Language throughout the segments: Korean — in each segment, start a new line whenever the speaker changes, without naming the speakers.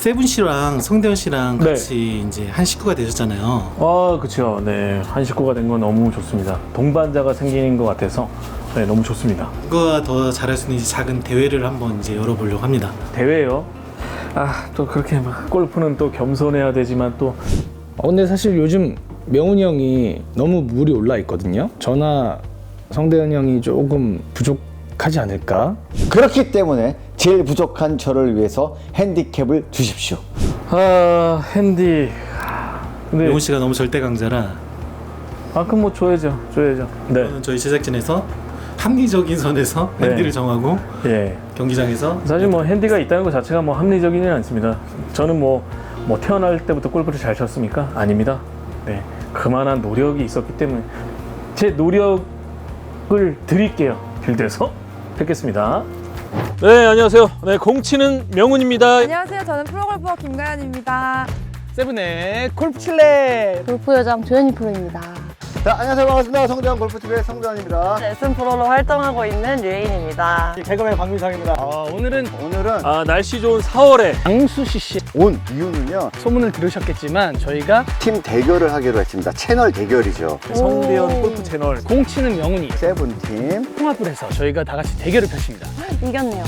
세븐 씨랑 성대현 씨랑
네.
같이 이제 한 식구가 되셨잖아요.
아, 그렇죠. 네, 한 식구가 된 건 너무 좋습니다. 동반자가 생기는 것 같아서 네, 너무 좋습니다.
누가 더 잘할 수 있는지 작은 대회를 한번 이제 열어보려고 합니다.
대회요? 아, 또 그렇게 막 골프는 또 겸손해야 되지만 또
근데 사실 요즘 명훈이 형이 너무 물이 올라 있거든요. 저나 성대현 형이 조금 부족하지 않을까?
그렇기 때문에 제일 부족한 저를 위해서 핸디캡을 주십시오.
핸디. 근데
명훈 씨가 너무 절대 강자라
그럼 뭐 줘야죠. 네.
저는 저희 제작진에서 합리적인 선에서
네.
핸디를 정하고
예.
경기장에서
사실 뭐 핸디가 있다는 것 자체가 뭐 합리적이지는 않습니다. 저는 뭐 태어날 때부터 골프를 잘 쳤습니까? 아닙니다. 네, 그만한 노력이 있었기 때문에 제 노력을 드릴게요. 빌드에서 뵙겠습니다. 네, 안녕하세요. 네, 공치는 명훈입니다.
안녕하세요. 저는 프로골퍼 김가연입니다.
세븐의 골프 칠레.
골프 여장 조현희 프로입니다.
자, 안녕하세요. 반갑습니다. 성대현 골프TV의 성대현입니다.
레슨 프로로 활동하고 있는 류혜인입니다.
개그맨 박민상입니다. 오늘은
오늘은
날씨 좋은 4월에
장수 CC
온 이유는요,
소문을 들으셨겠지만 저희가
팀 대결을 하기로 했습니다. 채널 대결이죠.
성대현 골프 채널
공치는 명훈이
세븐팀.
통합을 해서 저희가 다 같이 대결을 펼칩니다.
이겼네요.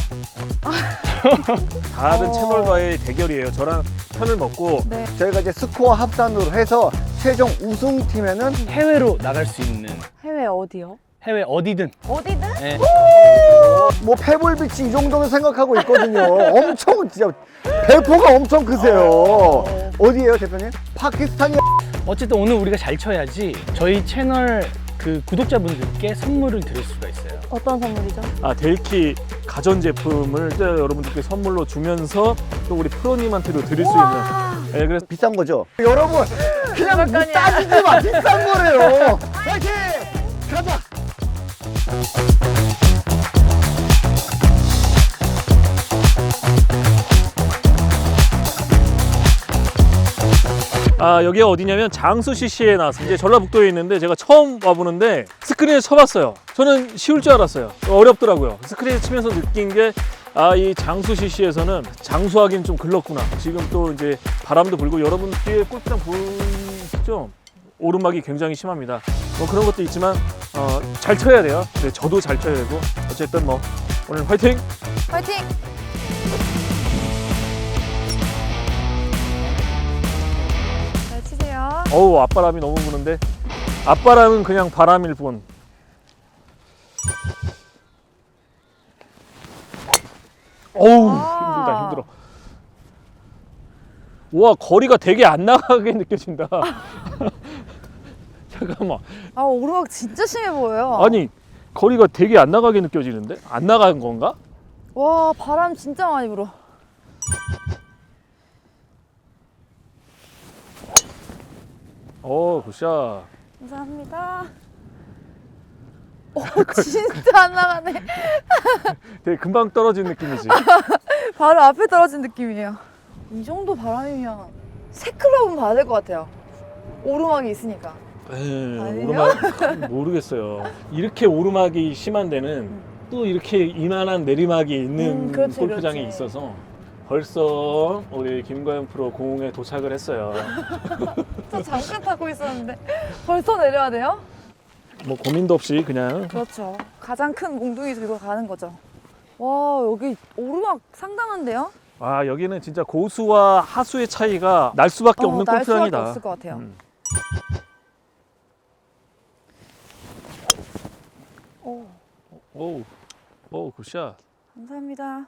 다른 채널과의 대결이에요. 저랑 편을 먹고
네.
저희가 이제 스코어 합산으로 해서 최종 우승팀에는
해외로 나갈 수 있는
해외 어디요?
해외 어디든
어디든?
네.
뭐 페블비치 이 정도는 생각하고 있거든요. 엄청 진짜 배포가 엄청 크세요. 어디예요, 대표님? 파키스탄이.
어쨌든 오늘 우리가 잘 쳐야지 저희 채널 그 구독자분들께 선물을 드릴 수가 있어요.
어떤 선물이죠?
델키 가전제품을 여러분들께 선물로 주면서 또 우리 프로님한테도 드릴 수 있는 네, 그래서
비싼 거죠? 여러분, 그냥 뭐 따지지 마. 비싼 거래요. 파이팅! 가자!
여기가 어디냐면 장수 CC에 나왔습니다. 이제 전라북도에 있는데 제가 처음 와보는데 스크린에 쳐봤어요. 저는 쉬울 줄 알았어요. 어렵더라고요. 스크린에 치면서 느낀 게 이 장수 CC에서는 장수하기는 좀 글렀구나. 지금 또 이제 바람도 불고 여러분 뒤에 골프장 보이시죠? 오르막이 굉장히 심합니다. 뭐 그런 것도 있지만 잘 쳐야 돼요. 네, 저도 잘 쳐야 되고 어쨌든 뭐 오늘 화이팅!
화이팅! 잘 치세요.
어우, 앞바람이 너무 부는데 앞바람은 그냥 바람일 뿐. 어우, 힘들다, 힘들어. 와, 거리가 되게 안 나가게 느껴진다. 잠깐만.
오르막 진짜 심해 보여요.
아니, 거리가 되게 안 나가게 느껴지는데? 안 나간 건가?
와, 바람 진짜 많이 불어.
굿샷.
감사합니다. 진짜 안 나가네.
되게 금방 떨어진 느낌이지.
바로 앞에 떨어진 느낌이에요. 이 정도 바람이면 새 클럽은 봐야 될 것 같아요. 오르막이 있으니까. 아니요?
오르막 모르겠어요. 이렇게 오르막이 심한 데는 또 이렇게 이만한 내리막이 있는
그렇지,
골프장이
그렇지.
있어서 벌써 우리 김가연 프로 공에 도착을 했어요.
저 잠깐 타고 있었는데 벌써 내려야 돼요?
뭐 고민도 없이 그냥
그렇죠. 가장 큰 몽둥이 들고 가는 거죠. 와, 여기 오르막 상당한데요?
여기는 진짜 고수와 하수의 차이가 날 수밖에 없는
날 수밖에
골프장이다.
없을 것 같아요.
오, 굿샷.
감사합니다.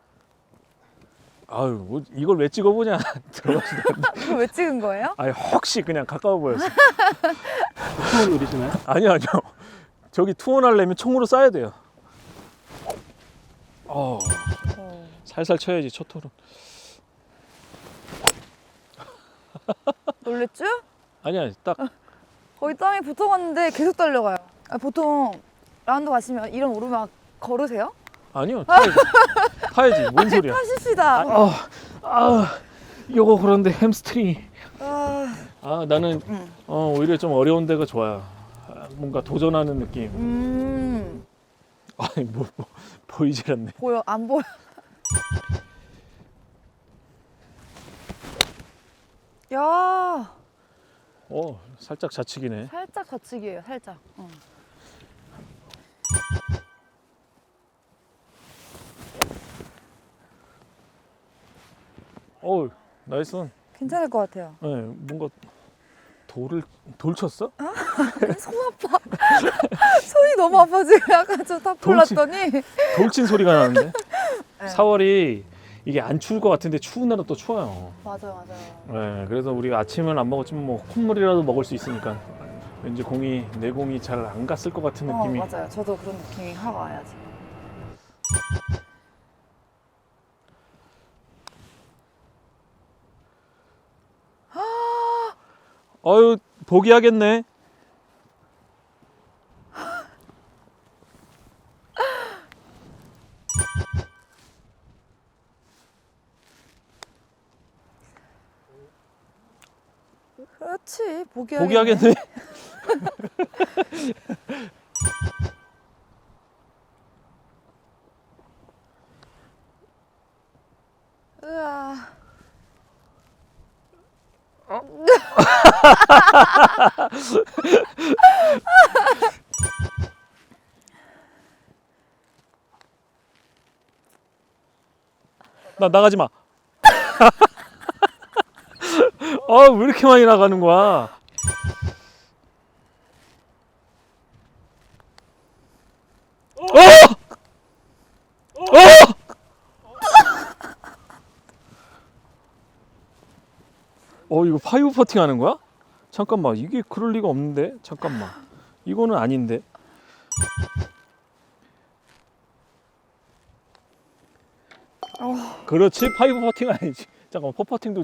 아유, 뭐 이걸 왜 찍어보냐. 들어가시다.
이거 왜 찍은 거예요?
혹시 그냥 가까워 보였어.
투혼 노리시나요?
아니요. 저기 투혼 하려면 총으로 쏴야 돼요. 살살 쳐야지, 첫 홀은.
놀랬죠?
아니야, 딱.
거의 땅에 붙어갔는데 계속 달려가요. 보통 라운드 가시면 이런 오르막 걸으세요?
아니요, 타야지. 타야지. 뭔 소리야.
타십시다.
이거 그런데 햄스트링이.
아,
나는 오히려 좀 어려운 데가 좋아요. 뭔가 도전하는 느낌. 아니, 뭐 보이질 않네.
보여? 안 보여? 야,
살짝 좌측이네.
살짝 좌측이에요, 살짝.
나이스.
괜찮을 것 같아요.
네, 뭔가 돌 쳤어?
손 아파. 손이 너무 아파 지금. 약간 저탑
돌진.
골랐더니.
돌친 소리가 나는데.
네.
4월이 이게 안 추울 것 같은데 추운 날은 또 추워요.
맞아요.
네, 그래서 우리가 아침은 안 먹었지만 뭐 콧물이라도 먹을 수 있으니까 왠지 내 공이 잘 안 갔을 것 같은 느낌이.
맞아요. 저도 그런 느낌이 확 와요 지금.
어유 포기하겠네.
그렇지.
포기하겠네.
으아.
나 나가지 마. 왜 이렇게 많이 나가는 거야? 이거 파이브 퍼팅 하는 거야? 잠깐만, 이게 그럴 리가 없는데? 잠깐만, 이거는 아닌데? 그렇지, 파이브 퍼팅은 아니지. 잠깐만, 퍼퍼팅도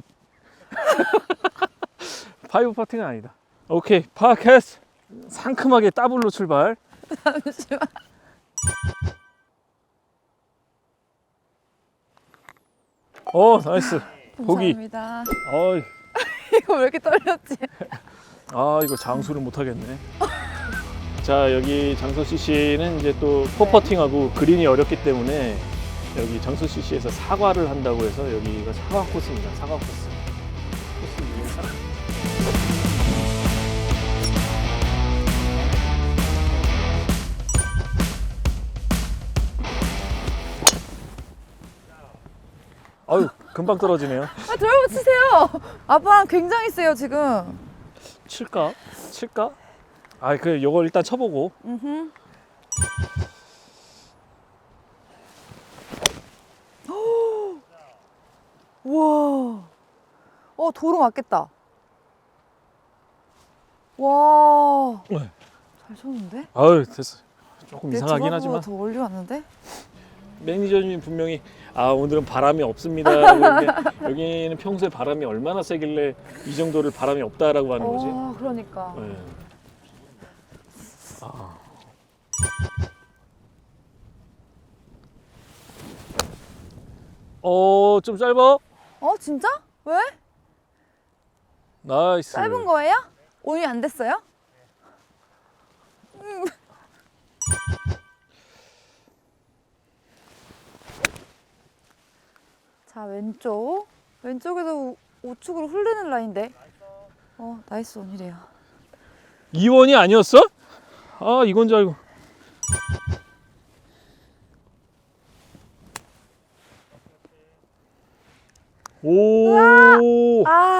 파이브 퍼팅은 아니다. 오케이, 파캐스 상큼하게 더블로 출발.
잠시만.
나이스. 보기.
감사합니다.
어이.
이거 왜 이렇게 떨렸지?
이거 장수를 못 하겠네. 자, 여기 장서 CC는 이제 또 퍼퍼팅하고 그린이 어렵기 때문에 여기 장서 CC에서 사과를 한다고 해서 여기가 사과 코스입니다. 사과 코스. 코스 이름이 사과. 아유, 금방 떨어지네요.
드라이버 치세요. 아빠랑 굉장히 세요 지금.
칠까? 요거 일단 쳐보고.
와. 도로 맞겠다. 와.
네.
잘 쳤는데?
아유, 됐어. 조금
내
이상하긴
드라이버보다
하지만
더 멀리 왔는데?
매니저님이 분명히 오늘은 바람이 없습니다 라고 그러는데 여기는 평소에 바람이 얼마나 세길래 이 정도를 바람이 없다라고 하는 거지.
그러니까.
네. 좀 짧아?
진짜? 왜?
나이스.
짧은 거예요? 오이 안 됐어요? 자, 왼쪽에도 우측으로 흐르는 라인인데. 나이스 원이래요.
이원이 아니었어? 이건 줄 알고. 오.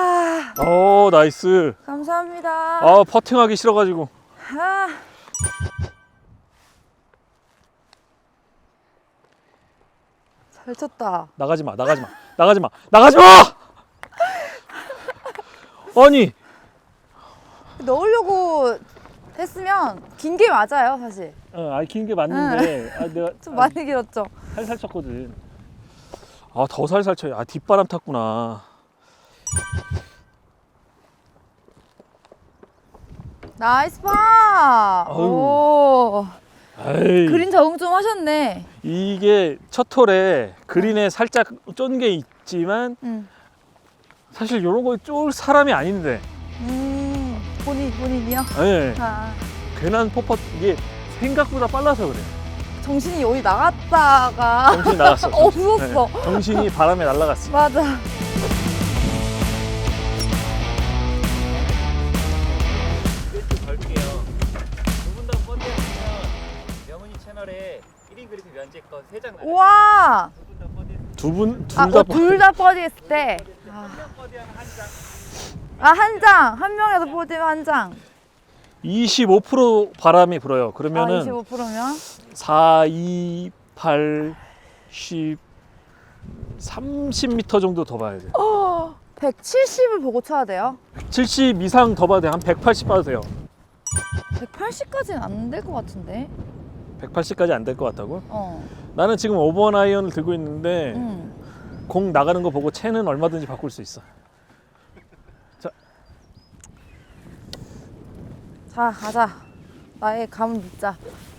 나이스.
감사합니다.
퍼팅하기 싫어가지고.
잘 쳤다.
나가지 마. 아니.
넣으려고 했으면 긴 게 맞아요, 사실.
긴 게 맞는데 내가
좀 많이 길었죠.
살살 쳤거든. 더 살살 쳐. 뒷바람 탔구나.
나이스 파.
아유.
오.
에이.
그린 적응 좀 하셨네.
이게 첫 홀에 그린에 살짝 쫀 게 있지만 사실 이런 거 쫄 사람이 아닌데.
본인이요?
네. 괜한 퍼퍼 이게 생각보다 빨라서 그래.
정신이 어디 나갔다가
정신이 나갔어.
없었어.
네. 정신이 바람에 날아갔어.
맞아. 우와.
둘 다
둘 다 버디 했을 때. 한 장. 한 명에서 버디면 한 장.
25% 바람이 불어요. 그러면은
25%면?
4, 2, 8, 10, 30m 정도 더 봐야 돼요.
170을 보고 쳐야 돼요.
70 이상 더 봐도 돼요. 한 180 봐도 돼요.
180까지는 안 될 것 같은데.
180까지 안 될 것 같다고?
어.
나는 지금 5번 아이언을 들고 있는데
응.
공 나가는 거 보고 채는 얼마든지 바꿀 수 있어.
자, 가자. 나의 감을 믿자.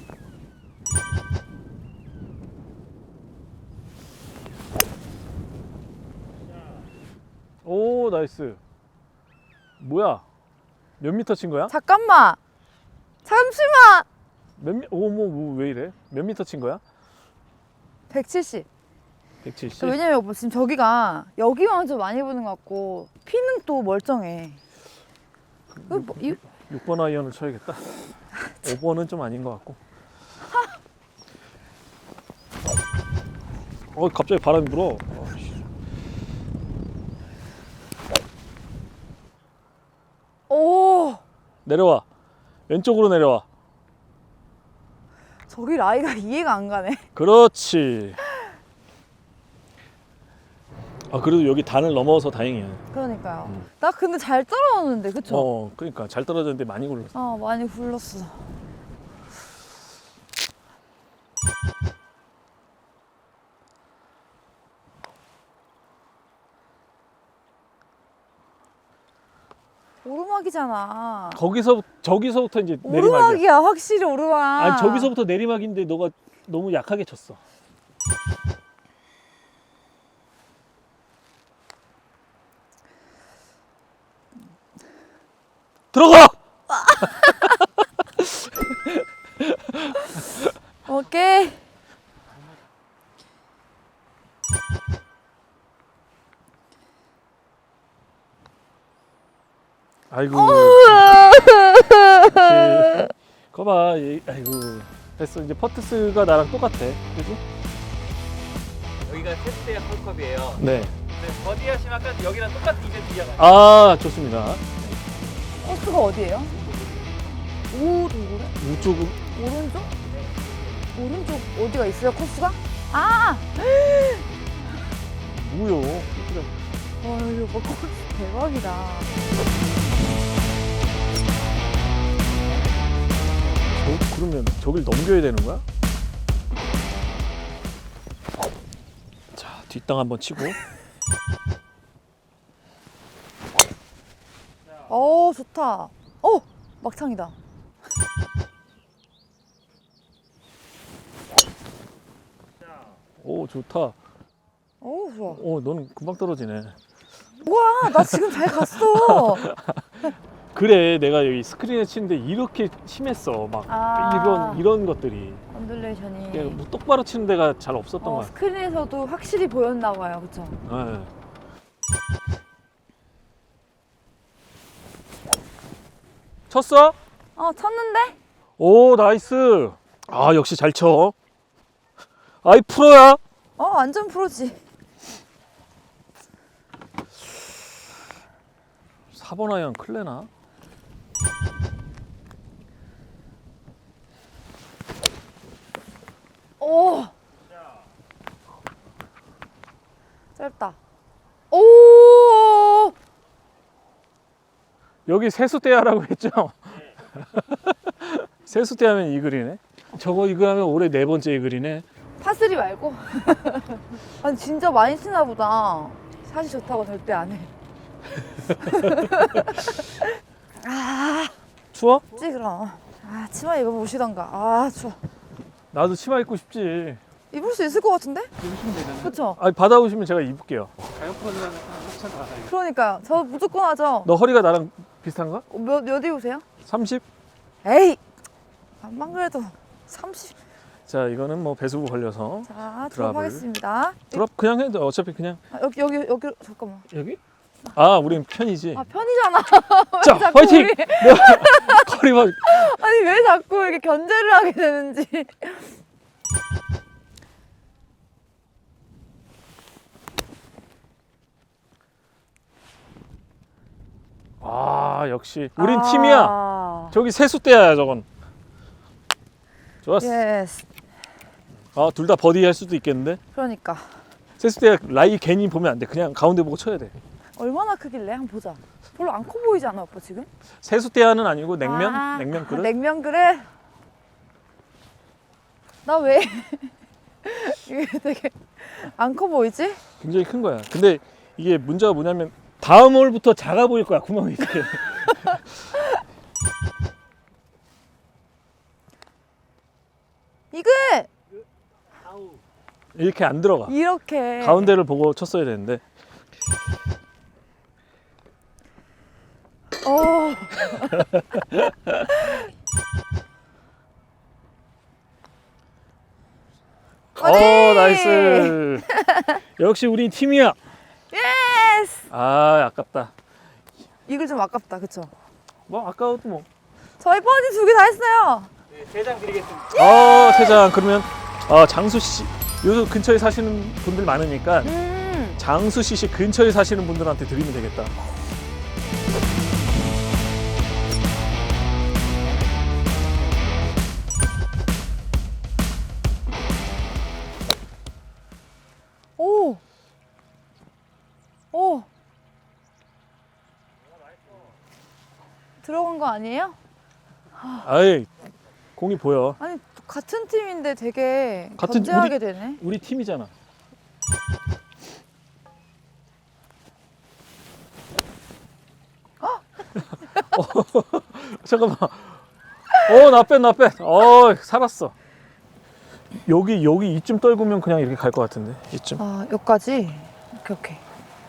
오, 나이스. 뭐야? 몇 미터 친 거야?
잠깐만. 잠시만.
왜 이래? 몇 미터 친 거야?
170.
170?
왜냐면 오빠 지금 저기가 여기만 좀 많이 부는 것 같고 피는 또 멀쩡해.
6번 아이언을 쳐야겠다. 5번은 좀 아닌 것 같고. 갑자기 바람이 불어.
오,
내려와. 왼쪽으로 내려와.
저기 라이가 이해가 안 가네.
그렇지. 그래도 여기 단을 넘어서 다행이야.
그러니까요. 나 근데 잘 떨어졌는데, 그쵸?
그러니까 잘 떨어졌는데 많이 굴렀어.
많이 굴렀어. 오르막이잖아.
저기서부터 이제 내리막이야.
오르막이야, 확실히 오르막.
아니 저기서부터 내리막인데 너가 너무 약하게 쳤어. 들어가!
오케이.
아이고. 거봐, 아이고. 됐어. 이제 퍼트스가 나랑 똑같아. 그지?
여기가 세트의 홀컵이에요.
네.
근데 버디 하시면 아까 여기랑 똑같은 이벤트 이어가요.
아, 좋습니다.
코스가 어디예요? 오른쪽으로?
우쪽은
오른쪽? 오른쪽 어디가 있어요, 코스가? 아!
뭐요?
와, 이거 코스 대박이다.
그러면 저길 넘겨야 되는 거야? 자, 뒷땅 한번 치고.
좋다. 막창이다.
오, 좋다.
좋아.
너는 금방 떨어지네.
우와, 나 지금 잘 갔어.
그래, 내가 여기 스크린에 치는데 이렇게 심했어. 막 이런 것들이.
언듈레이션이.
그냥 뭐 똑바로 치는 데가 잘 없었던 거야.
스크린에서도 확실히 보였나 봐요, 그쵸?
네. 쳤어?
쳤는데?
오, 나이스. 역시 잘 쳐. 아이, 프로야.
완전 프로지.
4번 아이언 클레나?
오! 짧다. 오!
여기 세수대야라고 했죠? 세수대하면 이글이네. 저거 이글하면 올해 4번째 이글이네.
파3 말고? 아니, 진짜 많이 치나 보다. 샷이 좋다고 절대 안 해.
추워?
찌 그럼. 치마 입어보시던가. 추워.
나도 치마 입고 싶지.
입을 수 있을 것 같은데?
입으시면 되는데
그쵸?
받아오시면 제가 입을게요.
가격권이라는 협찬 다 알아요.
그러니까요. 저 무조건 하죠.
너 허리가 나랑 비슷한가?
몇 입으세요?
30?
에이! 안만 그래도 30.
자, 이거는 뭐 배수구 걸려서.
자,
드랍을.
드랍하겠습니다.
드랍 그냥 해도 어차피 그냥.
여기, 잠깐만.
여기? 우린 편이지.
편이잖아.
자,
왜 자꾸
화이팅!
우리-
거리만.
아니, 왜 자꾸 이렇게 견제를 하게 되는지.
아 역시 우린 팀이야. 저기 세수대야 저건. 좋았어.
예스.
아 둘 다 버디 할 수도 있겠는데.
그러니까
세수대 라이 괜히 보면 안 돼. 그냥 가운데 보고 쳐야 돼.
얼마나 크길래 한번 보자. 별로 안 커 보이지 않아 오빠 지금?
세수대야는 아니고 냉면?
아,
냉면 그릇?
냉면 그릇. 나 왜 이게 되게 안 커 보이지?
굉장히 큰 거야. 근데 이게 문제가 뭐냐면 다음 홀부터 작아 보일 거야 구멍이 이렇게.
이거
이렇게 안 들어가.
이렇게
가운데를 보고 쳤어야 되는데.
어.
나이스. 역시 우린 팀이야.
예스.
아 아깝다.
이글 좀 아깝다, 그쵸?
뭐 아까워도 뭐.
저희 버디 2개 다 했어요.
네, 3장 드리겠습니다.
세장 그러면 장수 씨 요즘 근처에 사시는 분들 많으니까 장수 씨 근처에 사시는 분들한테 드리면 되겠다.
오. 오. 들어간 거 아니에요?
아이 공이 보여.
아니 같은 팀인데 되게
같은
견제하게 되네.
우리 팀이잖아. 잠깐만. 나 뺀. 살았어. 여기 이쯤 떨구면 그냥 이렇게 갈 것 같은데. 이쯤.
아, 여기까지. 오케이.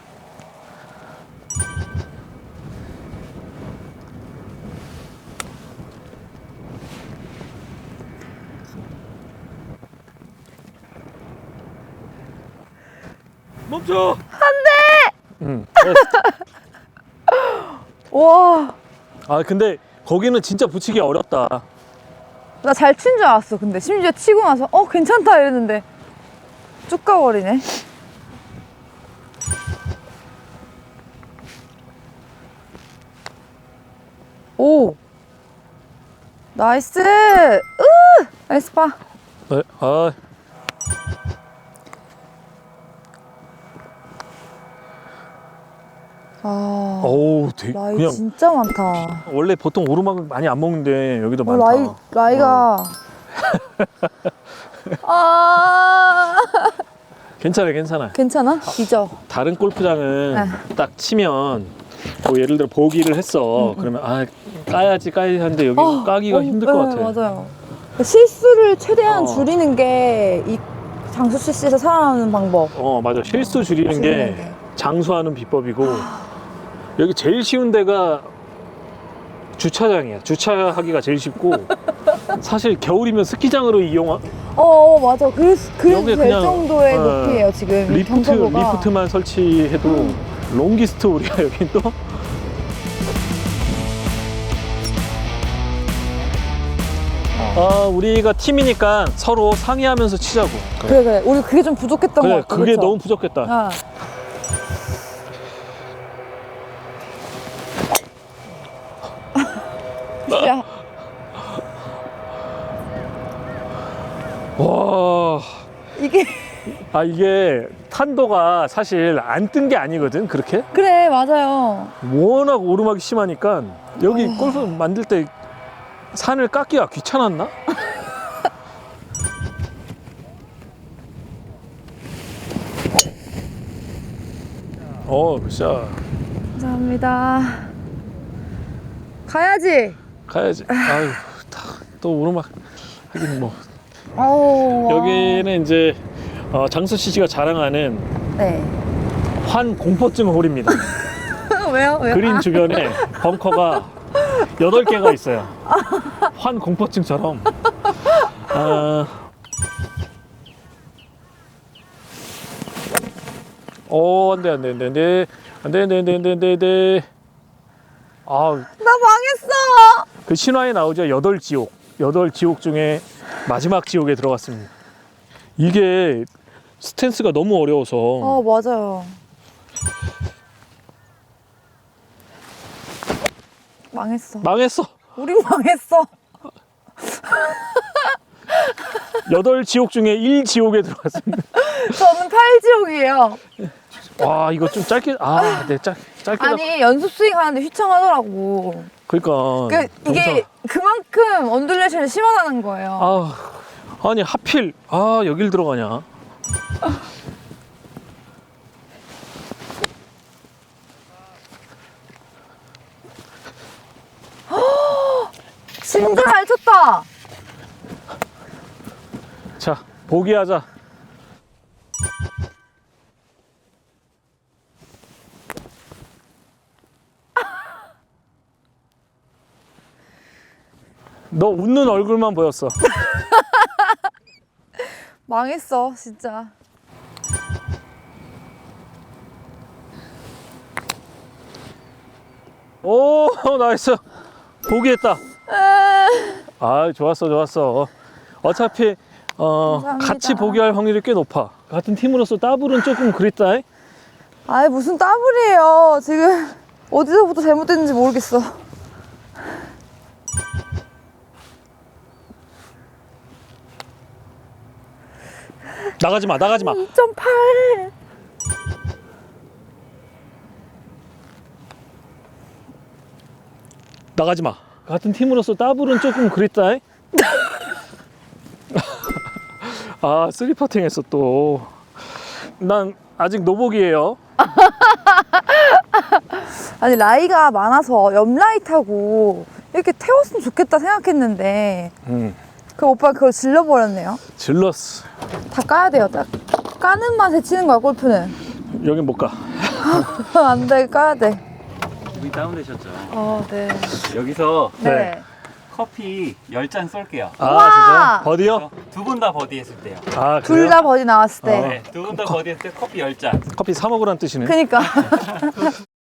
멈춰. 응.
와,
근데 거기는 진짜 붙이기 어렵다.
나 잘 친 줄 알았어. 근데 심지어 치고 나서 괜찮다 이랬는데 쭉 가버리네. 오, 나이스. 나이스 파.
네. 어우,
라이
그냥
진짜 많다.
원래 보통 오르막을 많이 안 먹는데 여기도 많다.
라이가.
괜찮아.
괜찮아? 이죠?
다른 골프장은
네.
딱 치면 뭐 예를 들어 보기를 했어. 그러면 까야지 하는데 여기 까기가 힘들 것 같아.
맞아요. 실수를 최대한
어.
줄이는 게 이 장수 CC에서 살아남는 방법.
맞아. 실수 줄이는 게 장수하는 비법이고 여기 제일 쉬운 데가 주차장이야. 주차하기가 제일 쉽고 사실 겨울이면 스키장으로
맞아. 그래서
여기
될
그냥,
정도의 높이에요 지금 이 경사도가.
리프트만 설치해도 롱기스트 우리가 여긴 또 우리가 팀이니까 서로 상의하면서 치자고.
그래. 우리 그게 좀 부족했던 것 같아.
그게
그쵸?
너무 부족했다.
야,
와.
이게
이게 탄도가 사실 안 뜬 게 아니거든. 그렇게
그래 맞아요.
워낙 오르막이 심하니까 여기 골프 만들 때 산을 깎기가 귀찮았나? 굿샷.
감사합니다. 가야지.
가야지. 아유, 또 오르막 하긴 뭐.
와.
여기는 이제 장수 씨가 자랑하는
네.
환 공포증 홀입니다.
왜요?
그린 주변에 벙커가 8개가 있어요. 환 공포증처럼. 안 돼.
나 망했어.
그 신화에 나오죠. 8지옥. 8지옥 중에 마지막 지옥에 들어갔습니다. 이게 스탠스가 너무 어려워서
맞아요. 망했어.
망했어.
우린 망했어.
8지옥 중에 1지옥에 들어갔습니다.
저는 8지옥이에요.
와, 이거 좀 짧게, 네, 짧게.
아니 연습 스윙 하는데 휘청하더라고.
그러니까.
이게 그만큼 언듈레이션이 심하다는 거예요.
아니, 하필, 여길 들어가냐.
진짜 잘 쳤다.
자, 보기하자. 너 웃는 얼굴만 보였어.
망했어 진짜.
오, 나이스. 보기했다. 좋았어. 어차피
감사합니다.
같이 보기할 확률이 꽤 높아. 같은 팀으로서 더블은 조금 그립다.
아이 무슨 더블이에요. 지금 어디서부터 잘못됐는지 모르겠어.
나가지 마.
2.8.
나가지 마. 같은 팀으로서 더블은 조금 그립다. 쓰리 퍼팅 했어 또. 난 아직 노복이에요.
아니 라이가 많아서 옆라이 타고 이렇게 태웠으면 좋겠다 생각했는데 그 오빠 그걸 질러버렸네요.
질렀어.
다 까야 돼요. 딱 까는 맛에 치는 거야 골프는.
여긴 못 가.
안 돼, 까야 돼.
기분이 다운되셨죠?
네.
여기서
네.
커피 10잔 쏠게요.
진짜? 버디요?
두 분 다 버디 했을 때요.
그래요?
둘 다 버디 나왔을 때.
네, 두 분 다 버디 했을 때 커피 10잔.
커피 사 먹으란 뜻이네.
그니까.